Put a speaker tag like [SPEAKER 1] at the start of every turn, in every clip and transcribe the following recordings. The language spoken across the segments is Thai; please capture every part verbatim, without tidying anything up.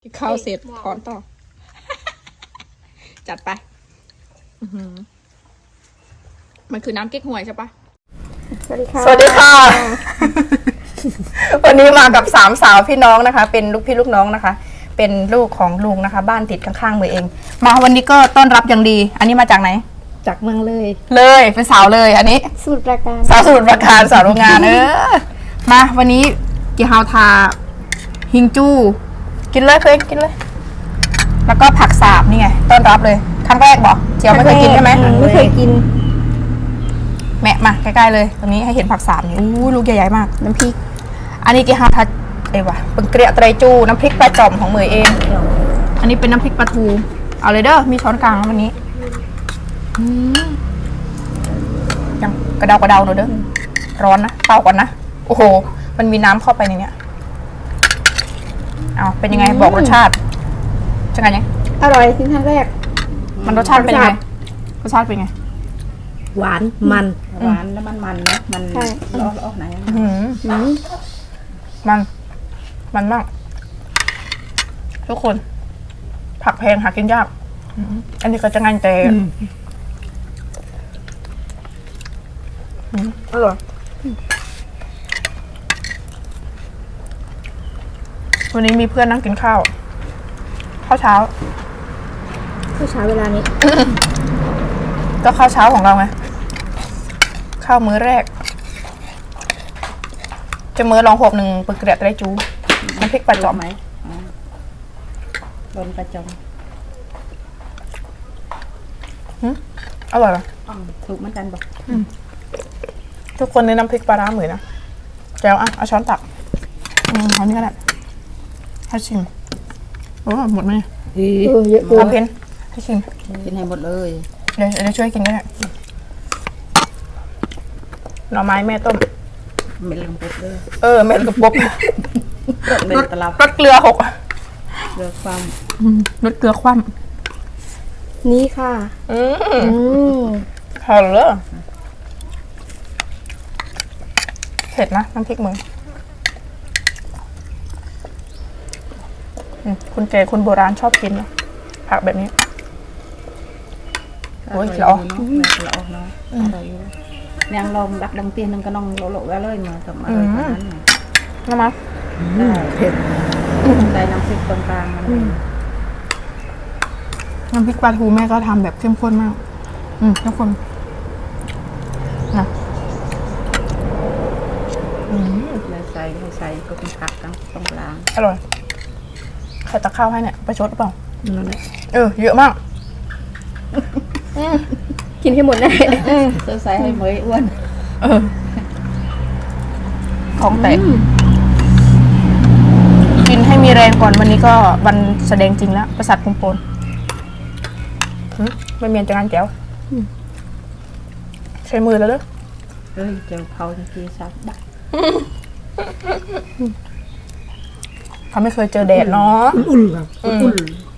[SPEAKER 1] กินข้าวเสร็จถอนต่อ จัดไปมันคือน้ำเก๊กฮวยใช่ปะสวัสดีค่ะ
[SPEAKER 2] สวัสดีค่ะ วันนี้มากับสามสาวพี่น้องนะคะ เป็นลูกพี่ลูกน้องนะคะ เป็นลูกของลุงนะคะ บ้านติดข้างๆมือเอง มาวันนี้ก็ต้อนรับอย่างดี อันนี้มาจากไหน
[SPEAKER 3] จากเมืองเลย
[SPEAKER 2] เลยเป็นสาวเลย อันนี้
[SPEAKER 3] สมุทรปราการ
[SPEAKER 2] สาวสมุทรปราการสาวโรงงานเออมาวันนี้กีฮาวทาฮิงจูกินเลยเพื่อนกินเลย แล้วก็ผักสาบนี่ไงต้อนรับเลยครั้งแรกบอกเจียวไม่เคยกินใช่ไหม
[SPEAKER 3] ไม่เคยกิน
[SPEAKER 2] แม่มาใกล้ๆเลยตรงนี้ให้เห็นผักสาบนี่อู้ลูกใหญ่ๆมากน้ำพริกอันนี้กีฮาวทาเอวะเป็นเกลียไตรจูน้ำพริกปลาจ่อมของเมยเอง อันนี้เป็นน้ำพริกปลาทูเอาเลยเด้อมีช้อนกลางแล้ววันนี้ยังกระเดากระเดาหน่อยเด้อร้อนนะเป่าก่อนนะโอ้โหมันมีน้ำเข้าไปในเนี้ยเอาเป็นยังไงบอกรสชาติจะไงยัง
[SPEAKER 3] อร่อยทิ้งครั้งแรก
[SPEAKER 2] มันรสชาติเป็นยังไงรสชาติเป็นไง
[SPEAKER 3] หวานมัน
[SPEAKER 4] หวานแล้วมันมันนะมัน
[SPEAKER 3] ใช่
[SPEAKER 4] ล้อล้อไหน
[SPEAKER 2] อื้อหือ
[SPEAKER 3] อืม
[SPEAKER 2] มัน มันมาก ทุกคน ผักแพงหากินยาก อันนี้ก็จะงันแต่อร่อยวันนี้มีเพื่อนนั่งกินข้าว ข้าวเช้า
[SPEAKER 3] ข้าวเช้าเวลานี้
[SPEAKER 2] ก็ข้าวเช้าของเราไง ข้าวมื้อแรก จะมื้อลองหกหนึ่งปึกเกลียดไรจูน้ำพริกปลาจอม
[SPEAKER 4] ไหมโดนกระจง
[SPEAKER 2] อร่อยปะ
[SPEAKER 4] อ๋อถูกเหมือนกันบอก
[SPEAKER 2] ทุกคนในน้ำพริกปลาร้าเหมือนนะแก้วอ่ะเอาช้อนตักอืมเอานี่ก็ได้ให้ชิมโอ้หมดไหม
[SPEAKER 3] เออเยอะเกิน
[SPEAKER 2] เอาเพนให้ชิม
[SPEAKER 4] กินให้หมดเลย
[SPEAKER 2] เดี๋ยวเดี๋ยวช่วยกินก็ได้หน่อไม้แม่ต้ม
[SPEAKER 4] เม็ดลงปุ๊บเลย
[SPEAKER 2] เออเม็ดกระปุก
[SPEAKER 4] เม็ดตลับ
[SPEAKER 2] รสเกลือหก
[SPEAKER 4] เลือกความ
[SPEAKER 2] รสเกลือคว่
[SPEAKER 3] นี่ค่ะ
[SPEAKER 2] ำอืม
[SPEAKER 3] อืม
[SPEAKER 2] พอเลยเผ็ดนะน้ำพริกมึงอืมคุณแก่คุณโบราณชอบกินนะผักแบบนี้ โอ้ย
[SPEAKER 4] อ
[SPEAKER 2] เหร
[SPEAKER 4] ร่
[SPEAKER 2] อ
[SPEAKER 4] อยอยู่เนาะแม่ละออกเนาะอร่อยอยู่นางลองดักดังเตียนนึงก็น้องโลโลแวเลยมาทำอร่อยกว่านั้น
[SPEAKER 2] น้ำมัน
[SPEAKER 4] เผ็ดได้น้ำพริกตรงกลางมัน
[SPEAKER 2] น้ำพริกปลาทูแม่ก็ทำแบบเข้มข้นมาก อืมทุกคนนะ
[SPEAKER 4] เลยใส่ให้ใส่ก็เป็นผักตรงตรงกลาง
[SPEAKER 2] อร่อยใครตักข้าวให้เนี่ยประชดหรือเปล่า
[SPEAKER 4] นั่นแหละ
[SPEAKER 2] เออ เยอะมาก
[SPEAKER 3] กินให้หมดได้
[SPEAKER 4] เสื้อใส่ให้เหมยอ้วน
[SPEAKER 2] เออ ของแตกกินให้มีแรงก่อนวันนี้ก็วันแสดงจริงแล้ว ประสาทคุมโปนหึไม่เมียนจะงานแก้วใช้มือแล้วเด้อ
[SPEAKER 4] เอ้ยเจ้าเผาทีทีซับดัก
[SPEAKER 2] เขาไม่เคยเจอแดดเนาะ
[SPEAKER 4] อุ่นครับอุ่น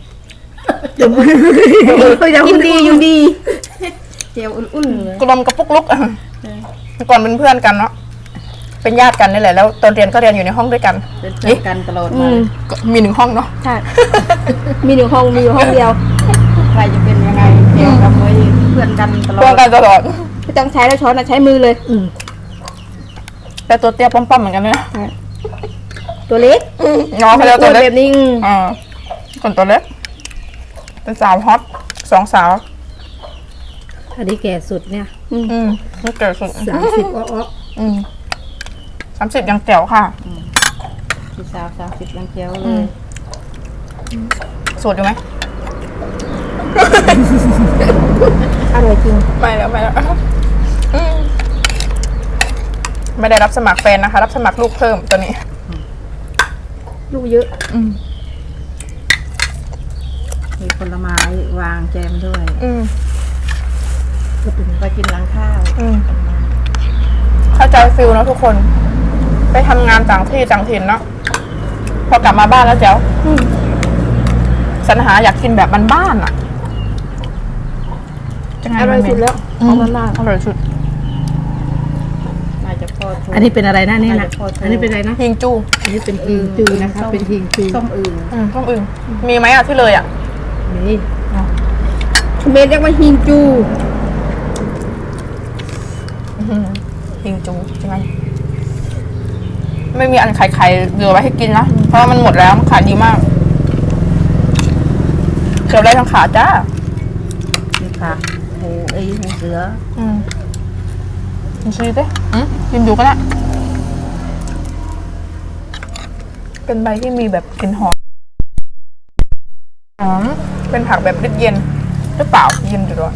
[SPEAKER 3] ยินดียินดี
[SPEAKER 4] เจียวอุ่นๆเลย
[SPEAKER 2] กลมกระปุกลุกอะก่อนเป็นเพื่อนกันเนาะเป็นญาติกันนี่แหละแล้วตอนเรียนก็เรียนอยู่ในห้องด้วยกัน
[SPEAKER 4] เป็นเพื่อนกันตลอด
[SPEAKER 3] อื
[SPEAKER 4] มาม
[SPEAKER 2] ก็มีหนึ่งห้องเนาะ
[SPEAKER 3] ใช่ มีหนึ่งห้องมีอยู่ห้องเดียว
[SPEAKER 4] ใครจะเป็นยังไงเจียวกับเมยเพื่อนกันตลอ
[SPEAKER 2] เพื่อน
[SPEAKER 4] ด
[SPEAKER 2] กันตลอด
[SPEAKER 3] ไม่ต้องใช้แล้วช้อนอะใช้มือเลย อืม
[SPEAKER 2] แต่ตัวเตี้ยป้อมๆเหมือนกันเลยนะ
[SPEAKER 3] ตัวเล็ก
[SPEAKER 2] น้องเขาเรียกตัวเล็ก
[SPEAKER 3] แบบนี้อืม
[SPEAKER 2] อ่าคนตัวเล็กเป็นสาวฮอตสองสาว
[SPEAKER 4] อันนี้แก่สุดเนี่ย
[SPEAKER 2] อืมนี่เกิดสุด
[SPEAKER 4] สามสิบอ้อ
[SPEAKER 2] อืมสามสิบยังแจ๋วค่ะ
[SPEAKER 4] พี่สาวสามสิบยังเจียวเล
[SPEAKER 2] อืม
[SPEAKER 4] ย
[SPEAKER 2] สูตรอยู่ไหม
[SPEAKER 3] อร่อยจริง
[SPEAKER 2] ไม่แล้วไม่แล้วอืมไม่ได้รับสมัครแฟนนะคะ รับสมัครลูกเพิ่มตัวนี้
[SPEAKER 3] ลูกเยอะ
[SPEAKER 2] อืม
[SPEAKER 4] มีผลไม้วางแจมด้วย
[SPEAKER 2] อืม
[SPEAKER 4] ไปกินร้านข้าว
[SPEAKER 2] อืมเข้าใจฟิลเนอะทุกคน ไปทำงานต่างที่ต่างถิ่นเนาะพอกลับมาบ้านแล้วแจ๋วสรรหาอยากกินแบบบ้านๆอ่ะจะไง
[SPEAKER 3] อร่อยสุดแล้ว
[SPEAKER 2] อื
[SPEAKER 3] ขอ
[SPEAKER 2] ม
[SPEAKER 3] งมันมาก
[SPEAKER 2] อร่อยสุด
[SPEAKER 4] น่าจะพอ
[SPEAKER 3] อันนี้เป็นอะไรนะนี่นะอันนี้เป็นอะไรนะ
[SPEAKER 2] หิงจู
[SPEAKER 3] อันนี้เป็นทิงจูนะคะเป็นทิงจู
[SPEAKER 4] ส้มอื่น
[SPEAKER 2] อืมต้มอึ่งมีไหมอ่ะที่เลยอ่ะ
[SPEAKER 3] นี่เมนเรียกว่าฮิงจู
[SPEAKER 2] อื้อหือหิงจูใช่ไหมไม่มีอันไข่ไข่เหลือไว้ให้กินนะเพราะว่ามันหมดแล้วมันขายดีมากเกือบได้ทั้งขาจ้า
[SPEAKER 4] มีผักหมูไอ้หมูเสือ
[SPEAKER 2] อืมกินซีดิอืมกินดูก็ได้เป็นใบที่มีแบบกลิ่นหอมหอมเป็นผักแบบเย็นหรือเปล่าเย็นอยู่ด้วย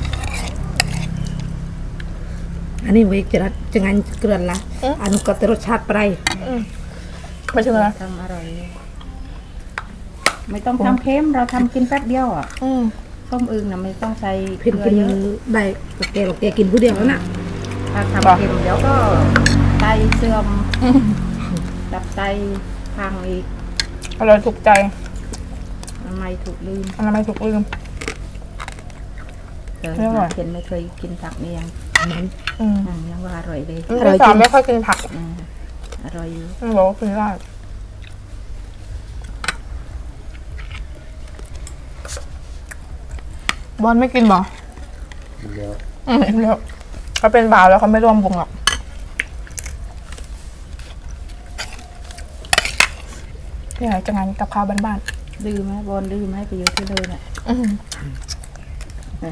[SPEAKER 3] อันนี้ไว้จะจะงานเกลือนละอันนี้ก็จะรสชาติไป
[SPEAKER 2] ไม่ใช่ไหม
[SPEAKER 4] ทำอร่อย ไม่ต้องทำเค็มเราทำกินแป๊บเดียวอ่ะ
[SPEAKER 2] อืม
[SPEAKER 4] ส้มอึ่งนะไม่ต้องใส่เก
[SPEAKER 3] เพิ่น
[SPEAKER 4] ลือ
[SPEAKER 3] กิน
[SPEAKER 4] เยอะ
[SPEAKER 3] ได้แกหรอกแกกินผู้เดียวแล้วน่ะ
[SPEAKER 4] ถ้าทำเค็มเดี๋ยวก็ไตเสื่อมดับไตพังอีก
[SPEAKER 2] อร่อยถูกใจ
[SPEAKER 4] ทำไมถูกลืม
[SPEAKER 2] อันนั้นไม่ถูกลืม
[SPEAKER 4] เออ
[SPEAKER 2] ไม่อร่อย
[SPEAKER 4] เห็นไม่เคยกินผักนี่ยัง
[SPEAKER 3] นั้น
[SPEAKER 2] อืม
[SPEAKER 4] อืมยังว่าอร่อยเลย
[SPEAKER 2] พี่สาวไม่ค่อยกินผัก
[SPEAKER 4] อืมอร่อยอยู่
[SPEAKER 2] อืมบอกว่ากินได้บอลไม่กินบ่
[SPEAKER 5] เดี๋ยว
[SPEAKER 2] อืมเดี๋ยวเขาเป็นบ่าวแล้วเขาไม่ร่วมวงหรอกนี่ไงจะงานกับข้าวบ้าน
[SPEAKER 4] ดื้อไหมบอลดื้อไหมไปอยู่ที่เลยน่ะ
[SPEAKER 2] ๆอืม
[SPEAKER 4] อ่ะ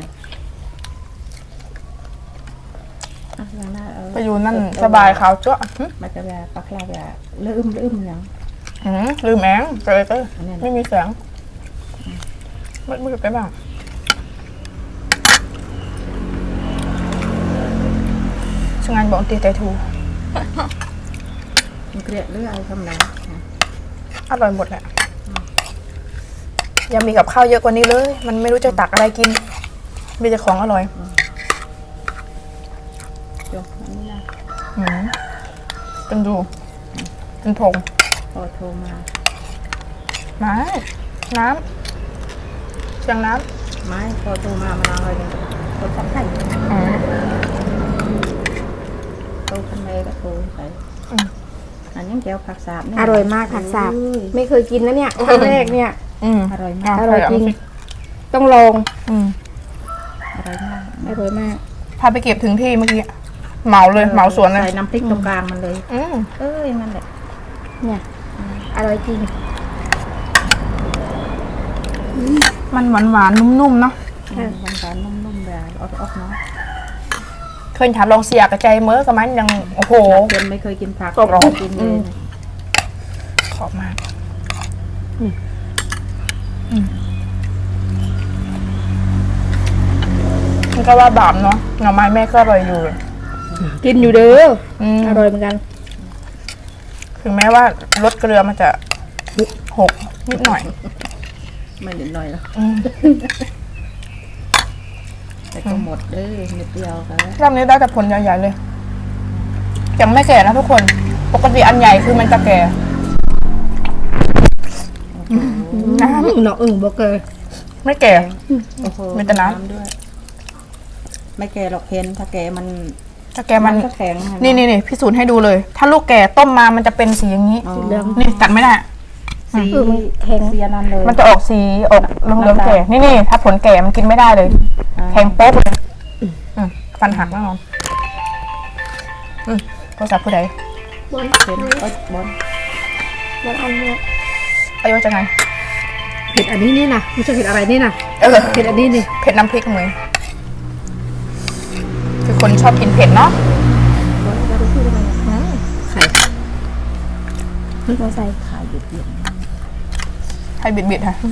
[SPEAKER 4] อย่างนั้นเออ
[SPEAKER 2] ไปอยู่นั่นสบายขาวจ้วะหึ
[SPEAKER 4] มันจะแบบปลาคลาแบบลืมลืมอย่าง
[SPEAKER 2] หืมลืมแองเจอเจอ
[SPEAKER 4] อันนี้นะ
[SPEAKER 2] ไม่มีแสงมืดมืดไปบ้างช่างงานบอกตีไตทู
[SPEAKER 4] มันเกลียดหรืออะไรคำไหนอ่ะ
[SPEAKER 2] อร่อยหมดแหละยังมีกับข้าวเยอะกว่านี้เลย มันไม่รู้จะตักอะไรกิน มีแต่ของอร่อย
[SPEAKER 4] จบอันนี้นะ
[SPEAKER 2] หืมเป็นดูเป็นผง
[SPEAKER 4] พอโทรมา
[SPEAKER 2] น้ำน้ำเชียงน้
[SPEAKER 4] ไม่พอโทรมามาอะไรเนี่ยโทรศัพท์ใคร
[SPEAKER 2] ำอืม
[SPEAKER 4] โทรคันเมย์ก็โทรไป
[SPEAKER 2] อืม
[SPEAKER 4] อันยังแก้วผักสาบเนี่
[SPEAKER 3] อร่อยมากผักสาบ
[SPEAKER 4] เอ้ย
[SPEAKER 3] ไม่เคยกินนะเนี่ยครั้งแรกเนี่ย
[SPEAKER 2] อืม
[SPEAKER 4] อร่อยมาก
[SPEAKER 3] อร่อยจริง ต้องลอง
[SPEAKER 2] อืม
[SPEAKER 4] อร่อยมาก
[SPEAKER 3] อร่อยมาก
[SPEAKER 2] พาไปเก็บถึงที่เมื่อกี้เหมาเลยเหมาสวนเลย
[SPEAKER 4] ใส่น้ำพริกตรงกลางมันเลย
[SPEAKER 2] อืม
[SPEAKER 4] เอ้ยนั่นแหละ
[SPEAKER 3] เนี่ยอร่อยจริง
[SPEAKER 2] มันหวานหวานๆนุ่มๆเนาะ
[SPEAKER 3] เออ
[SPEAKER 4] หวานๆนุ่มๆแบบออกๆเนาะ
[SPEAKER 2] เคยถามลองเสียกระใจเมื่อกับมันยังโอ้โห
[SPEAKER 4] เพื่อนไม่เคยกินผัก
[SPEAKER 2] กรอบๆ
[SPEAKER 4] ไม่กินเลย
[SPEAKER 2] ขอบมากมันก็ว่าบาปเนาะหน่อไม้แม่ก็อร่อยอยู่
[SPEAKER 3] กินอยู่เด้อ
[SPEAKER 2] อืม
[SPEAKER 3] อร่อยเหมือนกัน
[SPEAKER 2] ถึงแม้ว่ารสเกลือมันจะหกนิดหน่อย
[SPEAKER 4] ไม่นิดหน่อยหรอก
[SPEAKER 2] อืม
[SPEAKER 4] แต่ก็หมดเด้อนิดเดียวกัน
[SPEAKER 2] รอบนี้ได้แต่ผลใหญ่ๆเลย ยังไม่แก่นะทุกคน ปกติอันใหญ่คือมันจะแก่ น้ำ
[SPEAKER 3] เนาะอึ่งบอกเกย
[SPEAKER 2] ไม่แก่
[SPEAKER 4] โอ้โห
[SPEAKER 2] มีแต่น้ำ
[SPEAKER 4] ด้วย ไม่แก่หรอกเห็นถ้าแก่มัน
[SPEAKER 2] ถ้าแก่มัน
[SPEAKER 4] ก็แข็งะ
[SPEAKER 2] นี่นี่นี่พิสูจน์ให้ดูเลย ถ้าลูกแก่ต้มมามันจะเป็นสีอย่างนี้
[SPEAKER 4] อ๋อ
[SPEAKER 3] เหลือง
[SPEAKER 2] นี่ตัดไม่ได้
[SPEAKER 4] สี
[SPEAKER 3] เออมันแข็ง
[SPEAKER 4] เสียนั่นเลย
[SPEAKER 2] มันจะออกสีออกเหลืองๆแก่ นี่นี่ถ้าผลแก่มันกินไม่ได้เลย
[SPEAKER 4] อ่า
[SPEAKER 2] แข็งโป๊กเลยอืมฟันหักแน่นอนอืมโทรศัพท์ผู้ใด
[SPEAKER 3] บน
[SPEAKER 4] เห็นเอ้ยบอล
[SPEAKER 3] บนอันเนี้ย
[SPEAKER 2] อายุจะไง
[SPEAKER 3] เผ็ดอันนี้นี่นะไม่ใช่เผ็ดอะไรนี่นะ
[SPEAKER 2] เออ
[SPEAKER 3] เผ็ดอันนี้นี่
[SPEAKER 2] เผ็ดน้ำพริกมือคือคนชอบกินเผ็ดเนาะ
[SPEAKER 3] บนเราไปพูดอะไร
[SPEAKER 2] อืม
[SPEAKER 3] ไข่เราใส่
[SPEAKER 4] ขายหยุดเย็น
[SPEAKER 2] ให้บิดบิดๆค่ะ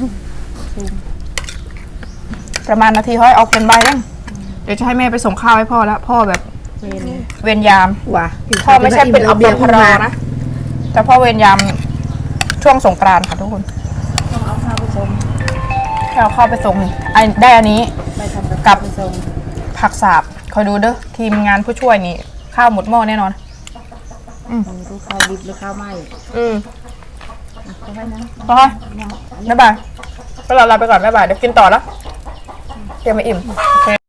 [SPEAKER 2] ประมาณนาทีเขาให้เอาเป็นใบยังเดี๋ยวจะให้แม่ไปส่งข้าวให้พ่อแล้ว พ่อแบบ
[SPEAKER 4] เวน
[SPEAKER 2] เวรยาม
[SPEAKER 3] หว่ะ
[SPEAKER 2] พ่อไม่ใช่เป็นอัปปรานะ แต่พ่อเวรยามช่วงสงกรานต์ค่ะทุกคน
[SPEAKER 4] ต้องเอาข้าวไปส่ง
[SPEAKER 2] ให้เอาข้าวไปส่งนี่ไอ้ได้อันนี้
[SPEAKER 4] ไปทำกับ
[SPEAKER 2] กั
[SPEAKER 4] ข้า
[SPEAKER 2] บ
[SPEAKER 4] วไปส่ง
[SPEAKER 2] ผักสาบคอยดูเด้อทีมงานผู้ช่วยนี่ ข้าวหมดหม้อแน่นอน
[SPEAKER 4] มันรู้ข้าวดิบหรือข้าวไหม้
[SPEAKER 2] อืม
[SPEAKER 4] เอาไว้นะ
[SPEAKER 2] พอบ๊ายบายก็เราลาไปก่อนบ๊ายบายเดี๋ยวกินต่อแล้วเดี๋ยวไม่อิ่มโอเค